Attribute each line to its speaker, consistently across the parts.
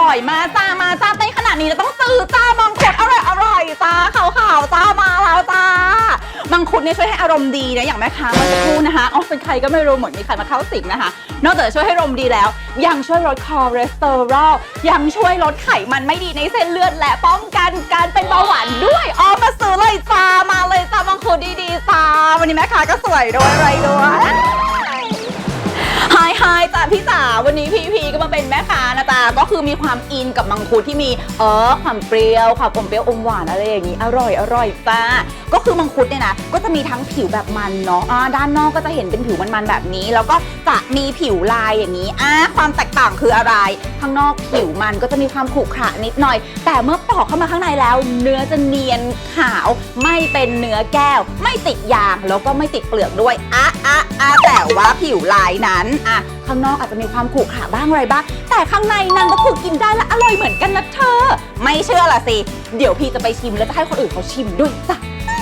Speaker 1: อยมาจ้าเต้นขนาดนี้เราต้องซื้อจ้ามังคุดอร่อยจ้าขาวจ้ามาแล้วจ้ามังคุดเนี่ยช่วยให้อารมณ์ดีนะอย่างแม่ค้าเมื่อสักครู่นะคะอ๋อเป็นใครก็ไม่รู้เหมือนมีใครมาเข้าสิงนะคะนอกจากจะช่วยให้อารมณ์ดีแล้วยังช่วยลดคอเลสเตอรอลยังช่วยลดไขมันไม่ดีในเส้นเลือดและป้องกันการเป็นเบาหวานด้วยอ๋อมาซื้อเลยจ้ามาเลยจ้ามังคุดดีๆจ้าวันนี้แม่ค้าก็สวยด้วยอะไรด้วยไฮจ้ะพี่จ๋าวันนี้พีก็มาเป็นแม่ค้านะจ๊ะก็คือมีความอินกับมังคุดที่มีความเปรี้ยวความอมเปรี้ยวอมหวานอะไรอย่างนี้อร่อยจ้าก็คือมังคุดเนี่ยนะก็จะมีทั้งผิวแบบมันเนาะด้านนอกก็จะเห็นเป็นผิวมันๆแบบนี้แล้วก็จะมีผิวลายอย่างนี้ความแตกต่างคืออะไรข้างนอกผิวมันก็จะมีความขรุขระนิดหน่อยแต่เมื่อปอกเข้ามาข้างในแล้วเนื้อจะเนียนขาวไม่เป็นเนื้อแก้วไม่ติดยางแล้วก็ไม่ติดเปลือกด้วยแต่ว่าผิวลายนั้นข้างนอกอาจจะมีความขรุขระบ้างอะไรบ้างแต่ข้างในนั้นก็คือกินได้และอร่อยเหมือนกันนะเธอไม่เชื่อล่ะสิเดี๋ยวพี่จะไปชิมแล้วจะให้คนอื่นเขาชิมด้วยจ้ะ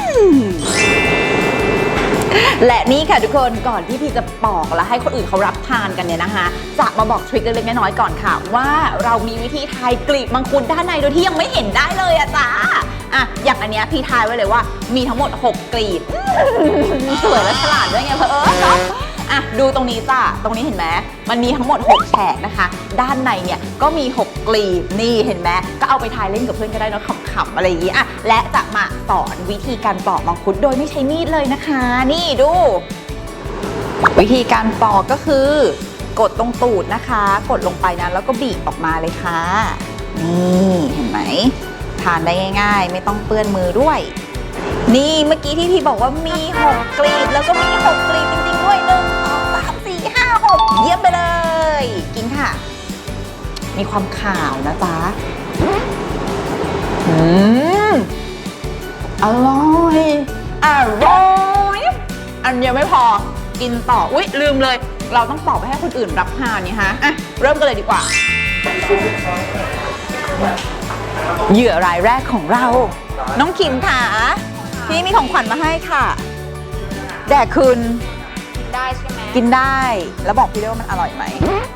Speaker 1: และนี่ค่ะทุกคนก่อนที่พี่จะปอกและให้คนอื่นเขารับทานกันเนี่ยนะคะจะมาบอกทริคเล็กๆน้อยๆก่อนค่ะว่าเรามีวิธีทายกลีบมังคุดด้านในโดยที่ยังไม่เห็นได้เลยอะจ้าอย่างอันเนี้ยพี่ทายไว้เลยว่ามีทั้งหมด6กลีบสวยและฉลาดด้วยไงเนาะดูตรงนี้จ้ะตรงนี้เห็นไหมมันมีทั้งหมด6แฉกนะคะด้านในเนี่ยก็มี6กลีบนี่เห็นไหมก็เอาไปทายเล่นกับเพื่อนก็ได้เนาะขำๆอะไรอย่างงี้และจะมาสอนวิธีการปอกมังคุดโดยไม่ใช้มีดเลยนะคะนี่ดูวิธีการปอกก็คือกดตรงตูดนะคะกดลงไปนะแล้วก็บีบออกมาเลยค่ะนี่เห็นไหมทานได้ง่ายๆไม่ต้องเปื้อนมือด้วยนี่เมื่อกี้ที่พี่บอกว่ามี6กลีบแล้วก็มี6กลีบจริงๆด้วย1 2 3 4 5 6เยี่ยมไปเลยกินค่ะมีความขาวนะจ๊ะอร่อยอันเดียวไม่พอกินต่ออุ๊ยลืมเลยเราต้องปอกไปให้คนอื่นรับทานนี่ฮะเริ่มกันเลยดีกว่าเหยื่อรายแรกของเราน้องคิมค่ะพี่มีของขวัญมาให้ค่ะแด่คุณกินได้ใช่ไหมกินได้แล้วบอกพี่ด้วยว่ามันอร่อยไหม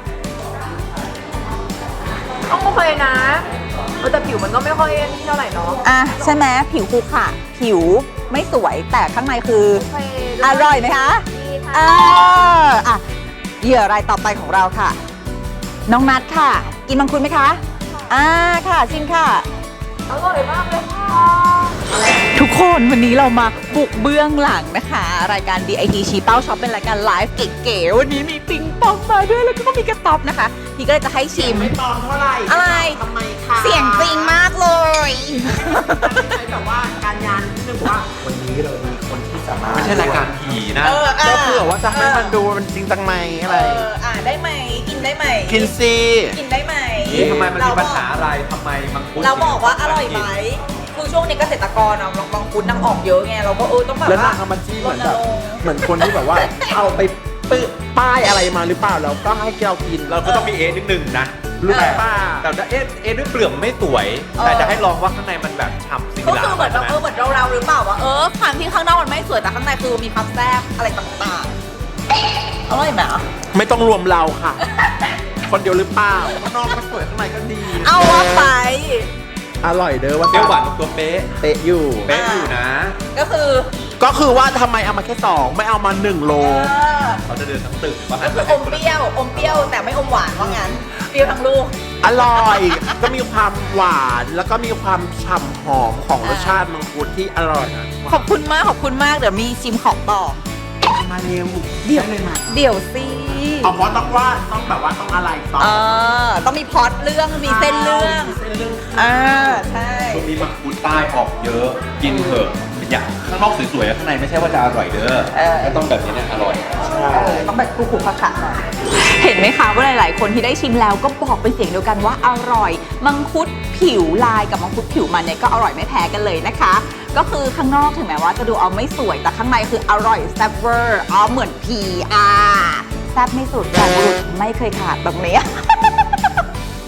Speaker 2: ต้องโอเคนะแต่ผิวมันก็ไม่ค่อยเท่าไหร่เนาะ
Speaker 1: ใช่ไหมผิวขรุขระผิวไม่สวยแต่ข้างในคืออร่อยไหมคะ
Speaker 2: ดีค่ะ
Speaker 1: เหยื่อรายต่อไปของเราค่ะน้องนัทค่ะกินมังคุดไหมคะค่ะชิมค่ะ
Speaker 2: อร่อยมากเลยค่ะ
Speaker 1: ทุกคนวันนี้เรามาบุกเบื้องหลังนะคะรายการ DIT ชี้เป้าช็อปเป็นรายการไลฟ์เก๋ๆวันนี้มีปิงปองมาด้วยแล้วก็มีกระต๊อบนะคะพี่ก็เลยจะให้ชิม
Speaker 3: ไม่ปองเท่าไหร่
Speaker 1: อะไร
Speaker 3: ทำไมคะ
Speaker 1: เสียงจริงมากเลย
Speaker 3: แบบว่าการงานที่นึกว่าวันนี้เรามีคนที่สามารถ
Speaker 4: ไม่ใช่รายการผีนะ
Speaker 3: ก็เผื่อว่าจะให้มันดูมันจริงจังไหมอะไร
Speaker 1: ได้ไหมกินได้ไหม
Speaker 3: กินซี
Speaker 1: กินได้ไหม
Speaker 4: นี่ทำไมมันมีปัญหาอะไรทำไมมังคุด
Speaker 1: เราบอกว่าอร่อยไหมคือช่วงนี้เกษตรกรบางคุณนำออกเยอะไงเราก็ต้องแบบ
Speaker 3: แล้วนางเอามาจี้เหมือนแบบเหมือนคนที่แบบว่าเอาไปป้ายอะไรมาหรือเปล่าแล้วก็ให้เรากิน
Speaker 4: เราก็ต้องมีนิดนึงนะ
Speaker 3: รู้ไหมป้า
Speaker 4: แต่ด้วยเปลือกไม่สวยแต่จะให้ลองว่าข้างในมันแบบฉ่ำสิ่ง
Speaker 1: ก็คือเหมือนเหมือนเราหรือเปล่าว่าความที่ข้างนอกมันไม่สวยแต่ข้างในคือมีความแซ่บอะไรต่างๆอร่อยไหม
Speaker 3: ไม่ต้องรวมเราค่ะ คนเดียวหรือเปล่าข้างนอกก็สวยข้างในก็ดี
Speaker 1: เอาว่าไป
Speaker 3: อร่อยเด้อว่า
Speaker 4: เปรี้ยวหวานตัวเป๊ะ
Speaker 3: อยู่
Speaker 4: นะ
Speaker 1: ก็คือ
Speaker 3: ว่าทำไมเอามาแค่2ไม่เอามา1 โล
Speaker 4: เขาจะเดินทั้งตึก
Speaker 1: ก็คืออมเปรี้ยวแต่ไม่อมหวานว่างั้นเปรี้ยวทั้งลูก
Speaker 3: อร่อยก็มีความหวานแล้วก็มีความฉ่ำหอมของรสชาติมังคุดที่อร่อย
Speaker 1: ขอบคุณมากเดี๋ยวมีชิมของต่อ
Speaker 3: มาเร็ว
Speaker 1: เดี๋ยวสิ
Speaker 3: เพราะต้องแบบว่าต้องอะไรต่อ
Speaker 1: ต้องมีพล็อตเรื่องมีเส้นเรื่องใช่
Speaker 4: ช่วงนี้มังคุดใต้ออกเยอะกินเถอะอย่างข้างนอกสวยๆข้างในไม่ใช่ว่าจะอร่อยเด้อต้องแบบนี้เนี่ยอร่อย
Speaker 1: ต้องแบบคุกๆผักๆหน่อยเห็นไหมคะว่าหลายๆคนที่ได้ชิมแล้วก็บอกเป็นเสียงเดียวกันว่าอร่อยมังคุดผิวลายกับมังคุดผิวมันเนี่ยก็อร่อยไม่แพ้กันเลยนะคะก็คือข้างนอกถึงแม้ว่าจะดูไม่สวยแต่ข้างในคืออร่อยแซ่บเวอร์เหมือนผีแซ่บไม่สุดแต่บุรุษไม่เคยขาดแบบนี้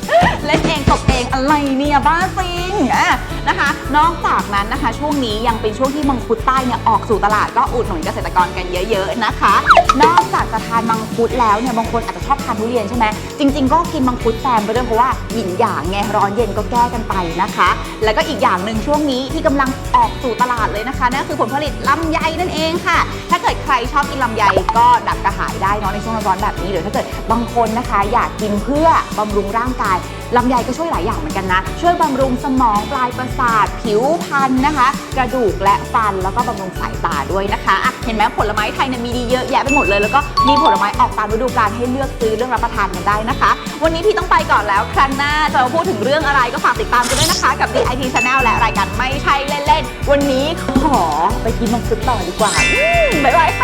Speaker 1: เล่นเองตบเองอะไรเนี่ยบ้าจริงนะคะ นอกจากนั้นนะคะช่วงนี้ยังเป็นช่วงที่มังคุดใต้เนี่ยออกสู่ตลาดก็อุดหนุนเกษตรกรกันเยอะๆนะคะ นอกจากจะทานมังคุดแล้วเนี่ยบางคนอาจจะชอบทานทุเรียนใช่ไหมจริงๆก็กินมังคุดแซมไปด้วยเพราะว่าหยินหยางไงร้อนเย็นก็แก้กันไปนะคะ แล้วก็อีกอย่างหนึ่งช่วงนี้ที่กำลังออกสู่ตลาดเลยนะคะนั่นคือผลผลิตลำไยนั่นเองค่ะ ถ้าเกิดใครชอบกินลำไยก็ดับกระหายได้เนาะในช่วงร้อนๆแบบนี้หรือถ้าเกิดบางคนนะคะอยากกินเพื่อบำรุงร่างกายลำไยก็ช่วยหลายอย่างเหมือนกันนะช่วยบำรุงสมองปลายประสาทผิวพรรณนะคะกระดูกและฟันแล้วก็บำรุงสายตาด้วยนะคะอ่ะเห็นไหมผลไม้ไทยเนี่ยมีดีเยอะแยะไปหมดเลยแล้วก็มีผลไม้ออกตามฤดูกาลให้เลือกซื้อเลือกรับประทานกันได้นะคะวันนี้พี่ต้องไปก่อนแล้วครั้งหน้าจะมาพูดถึงเรื่องอะไรก็ฝากติดตามกันด้วยนะคะกับ DIT Channel และรายการไม่ใช่เล่นๆวันนี้ขอไปกินมังคุดต่อดีกว่าบ๊ายบายค่ะ